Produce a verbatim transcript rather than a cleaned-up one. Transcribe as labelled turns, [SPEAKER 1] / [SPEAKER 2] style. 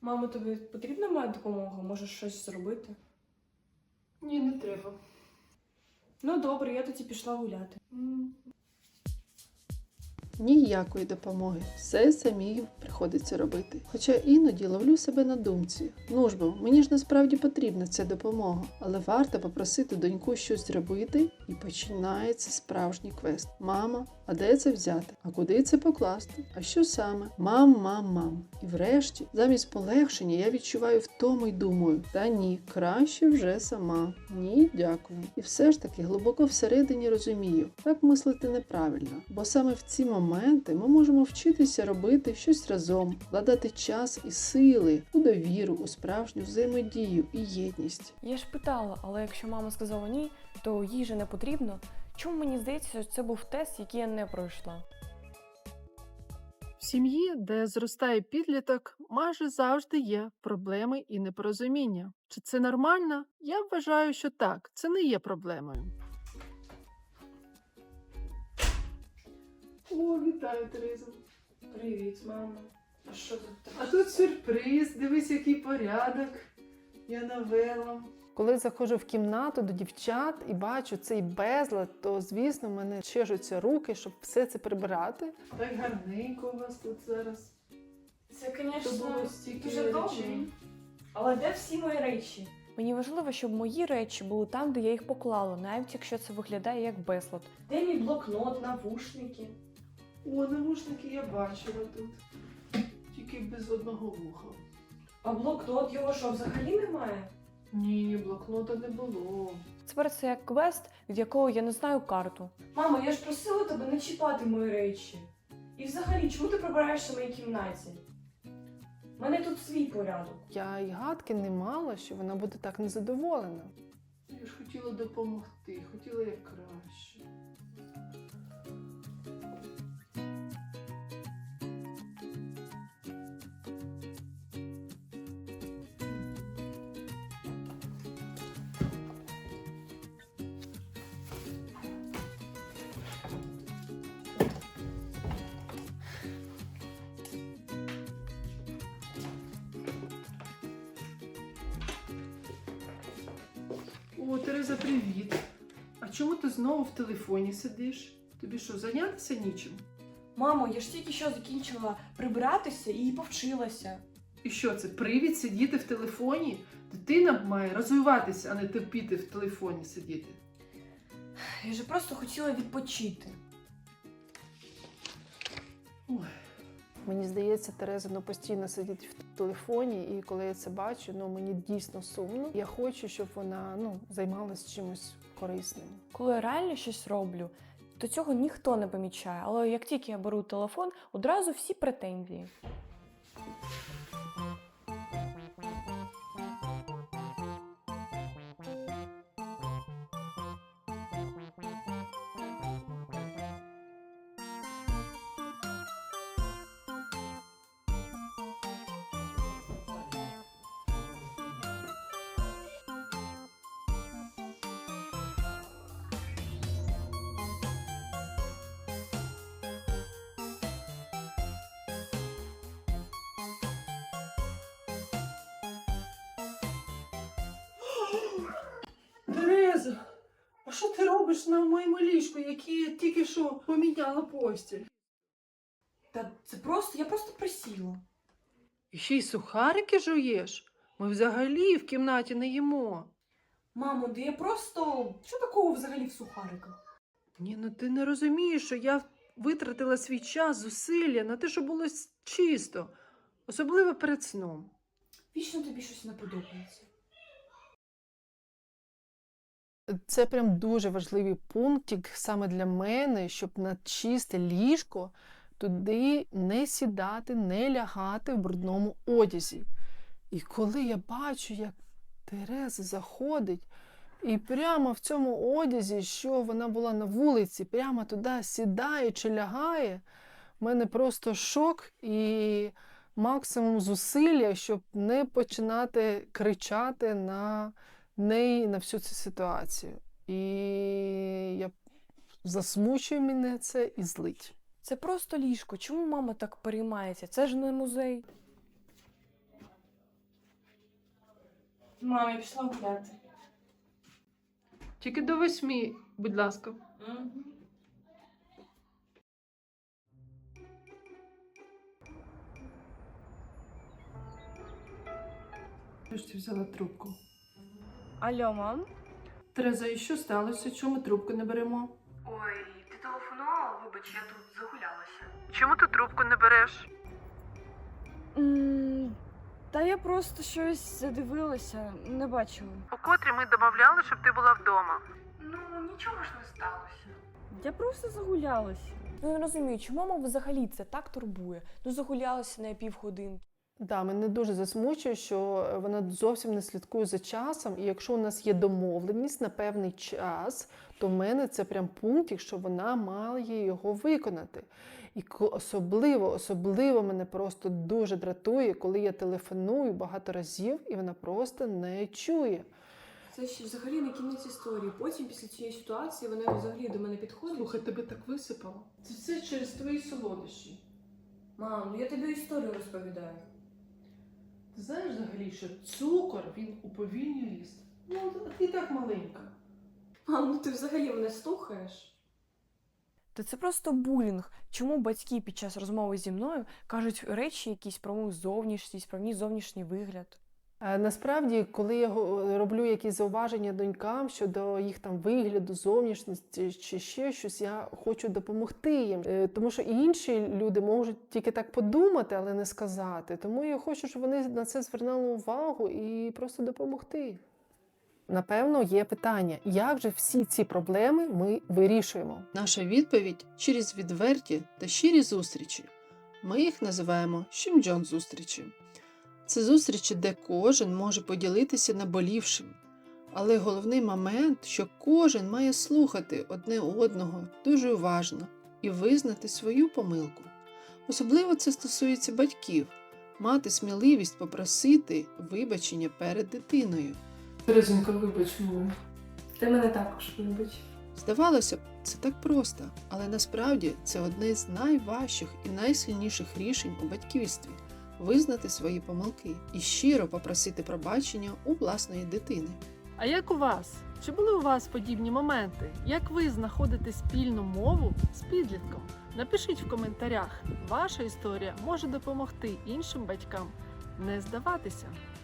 [SPEAKER 1] Мамо, тобі потрібна моя допомога? Можеш щось зробити?
[SPEAKER 2] Ні, не треба.
[SPEAKER 1] Ну добре, я тоді пішла гуляти.
[SPEAKER 3] Ніякої допомоги, все самій приходиться робити. Хоча іноді ловлю себе на думці. Ну ж бо, мені ж насправді потрібна ця допомога, але варто попросити доньку щось зробити, і починається справжній квест. Мама, а де це взяти? А куди це покласти? А що саме? Мам, мам, мам. І врешті, замість полегшення я відчуваю втому й думаю, та ні, краще вже сама. Ні, дякую. І все ж таки глибоко всередині розумію, так мислити неправильно, бо саме в ці моменти моменти ми можемо вчитися робити щось разом, вкладати час і сили у довіру, у справжню взаємодію і єдність.
[SPEAKER 1] Я ж питала, але якщо мама сказала ні, то їй же не потрібно. Чому мені здається, що це був тест, який я не пройшла?
[SPEAKER 3] В сім'ї, де зростає підліток, майже завжди є проблеми і непорозуміння. Чи це нормально? Я вважаю, що так, це не є проблемою. О, вітаю, Терезо.
[SPEAKER 1] Привіт, мамо. А що тут таке?
[SPEAKER 3] А тут сюрприз, дивись, який порядок я навела. Коли заходжу в кімнату до дівчат і бачу цей безлад, то, звісно, в мене чешуться руки, щоб все це прибирати. Так гарненько у вас тут зараз.
[SPEAKER 1] Це,
[SPEAKER 3] То було
[SPEAKER 1] звісно,
[SPEAKER 3] стільки
[SPEAKER 1] дуже
[SPEAKER 3] речей.
[SPEAKER 1] добре. Але де всі мої речі? Мені важливо, щоб мої речі були там, де я їх поклала, навіть якщо це виглядає як безлад. Де мій блокнот, навушники?
[SPEAKER 3] О, навушники я бачила тут. Тільки без одного вуха.
[SPEAKER 1] А блокнот його що, взагалі немає?
[SPEAKER 3] Ні, блокнота не було.
[SPEAKER 1] Тепер це як квест, від якого я не знаю карту. Мамо, я ж просила тебе не чіпати мої речі. І взагалі, чому ти прибираєшся в моїй кімнаті? У мене тут свій порядок.
[SPEAKER 3] Я й гадки не мала, що вона буде так незадоволена. Я ж хотіла допомогти, хотіла як краще. О, Тереза, привіт. А чому ти знову в телефоні сидиш? Тобі що, зайнятися нічим?
[SPEAKER 1] Мамо, я ж тільки що закінчила прибиратися і повчилася.
[SPEAKER 3] І що це, привід сидіти в телефоні? Дитина має розвиватися, а не терпіти в телефоні сидіти.
[SPEAKER 1] Я ж просто хотіла відпочити.
[SPEAKER 3] Ой. Мені здається, Тереза ну, постійно сидить в телефоні, і коли я це бачу, ну, мені дійсно сумно. Я хочу, щоб вона ну, займалась чимось корисним.
[SPEAKER 1] Коли я реально щось роблю, то цього ніхто не помічає. Але як тільки я беру телефон, одразу всі претензії.
[SPEAKER 3] Тереза, а що ти робиш на моєму ліжку, яке я тільки що поміняла постіль?
[SPEAKER 1] Та це просто, я просто присіла.
[SPEAKER 3] І ще й сухарики жуєш? Ми взагалі в кімнаті не їмо.
[SPEAKER 1] Мамо, да я просто... Що такого взагалі в сухариках?
[SPEAKER 3] Ні, ну ти не розумієш, що я витратила свій час, зусилля на те, щоб було чисто. Особливо перед сном.
[SPEAKER 1] Вічно тобі щось не подобається.
[SPEAKER 3] Це прям дуже важливий пунктик саме для мене, щоб на чисте ліжко туди не сідати, не лягати в брудному одязі. І коли я бачу, як Тереза заходить, і прямо в цьому одязі, що вона була на вулиці, прямо туди сідає чи лягає, в мене просто шок і максимум зусилля, щоб не починати кричати на неї, на всю цю ситуацію. І я засмучує мене це і злить.
[SPEAKER 1] Це просто ліжко. Чому мама так переймається? Це ж не музей. Мам, я пішла гуляти.
[SPEAKER 2] Тільки до восьмі, будь ласка.
[SPEAKER 3] Ти ж ти взяла трубку.
[SPEAKER 1] Алло, мам?
[SPEAKER 3] Тереза, і що сталося? Чому ми трубку не беремо?
[SPEAKER 4] Ой, ти телефонувала? Вибач, я тут загулялася.
[SPEAKER 2] Чому ти трубку не береш?
[SPEAKER 1] М, Та я просто щось задивилася, не бачила.
[SPEAKER 2] У котрі ми домовляли, щоб ти була вдома.
[SPEAKER 4] Ну, нічого ж не сталося.
[SPEAKER 1] Я просто загулялася. Ну, не розумію, чому мама взагалі це так турбує? Ну, загулялася на півгодинки.
[SPEAKER 3] Да, мене дуже засмучує, що вона зовсім не слідкує за часом. І якщо у нас є домовленість на певний час, то в мене це прям пункт, що вона має його виконати. І ко- особливо, особливо мене просто дуже дратує, коли я телефоную багато разів, і вона просто не чує.
[SPEAKER 1] Це ще взагалі не кінець історії. Потім, після цієї ситуації, вона взагалі до мене підходить.
[SPEAKER 3] Слухай, тебе так висипало. Це все через твої солодощі.
[SPEAKER 1] Мам, ну я тобі історію розповідаю.
[SPEAKER 3] Ти знаєш взагалі, що цукор, він уповільнює ріст? Ну, а ти так маленька.
[SPEAKER 1] Мам, ну ти взагалі мене слухаєш? Та це просто булінг. Чому батьки під час розмови зі мною кажуть речі якісь про мою зовнішність, про мій зовнішній вигляд?
[SPEAKER 3] Е, Насправді, коли я го- роблю якісь зауваження донькам щодо їх там вигляду, зовнішності чи ще щось, я хочу допомогти їм. Е, Тому що і інші люди можуть тільки так подумати, але не сказати. Тому я хочу, щоб вони на це звернули увагу і просто допомогти. Напевно, є питання, як же всі ці проблеми ми вирішуємо? Наша відповідь через відверті та щирі зустрічі. Ми їх називаємо «Щімджон зустрічі». Це зустрічі, де кожен може поділитися наболівшим. Але головний момент, що кожен має слухати одне одного дуже уважно і визнати свою помилку. Особливо це стосується батьків – мати сміливість попросити вибачення перед дитиною.
[SPEAKER 2] Терезонька, вибач мене.
[SPEAKER 1] Ти мене також любиш.
[SPEAKER 3] Здавалося б, це так просто, але насправді це одне з найважчих і найсильніших рішень у батьківстві – визнати свої помилки і щиро попросити пробачення у власної дитини.
[SPEAKER 2] А як у вас? Чи були у вас подібні моменти? Як ви знаходите спільну мову з підлітком? Напишіть в коментарях. Ваша історія може допомогти іншим батькам не здаватися.